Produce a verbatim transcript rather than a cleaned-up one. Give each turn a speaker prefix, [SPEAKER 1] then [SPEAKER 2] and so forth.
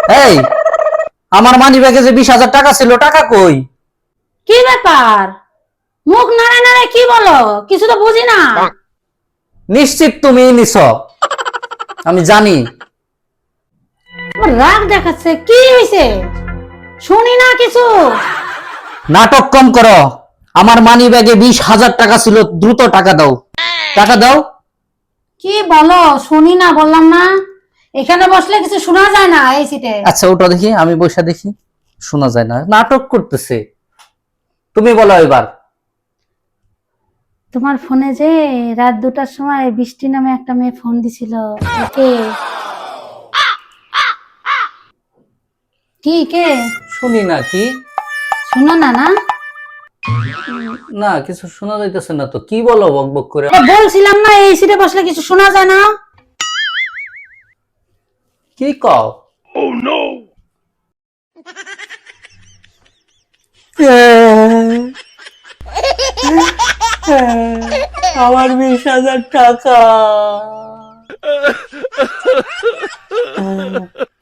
[SPEAKER 1] এই, আমার মানি ব্যাগে যে বিশ হাজার টাকা ছিল, টাকা কই?
[SPEAKER 2] কি ব্যাপার? মুখ নাড়ে নাড়ে কি বলো? কিছু তো বুঝি না।
[SPEAKER 1] নিশ্চিত তুমি নিছ, আমি জানি।
[SPEAKER 2] আমার রাগ দেখাচ্ছে, কি হয়েছে? শুনি না কিছু।
[SPEAKER 1] নাটক কম করো। আমার মানি ব্যাগে বিশ হাজার টাকা ছিল, দ্রুত টাকা দাও, টাকা দাও।
[SPEAKER 2] কি বলো? শুনি না বললাম না। এখানে বসলে কিছু শোনা যায় না এই সিটে।
[SPEAKER 1] আচ্ছা ওটা দেখি, আমি বসে দেখি। শোনা যায় না, নাটক করতেছে। তুমি বলো এবার।
[SPEAKER 2] তোমার ফোনে যে রাত দুটার সময় বৃষ্টি নামে একটা মেয়ে ফোন দিছিল, কে? কি কে?
[SPEAKER 1] শুনি না। কি?
[SPEAKER 2] শুনো না না?
[SPEAKER 1] না, কিছু শোনা যাইতেছে না তো। কি বলো বক বক করে?
[SPEAKER 2] এ বলছিলাম না এই সিটে বসলে কিছু শোনা যায় না।
[SPEAKER 1] কি কও? আমার বিশ হাজার টাকা।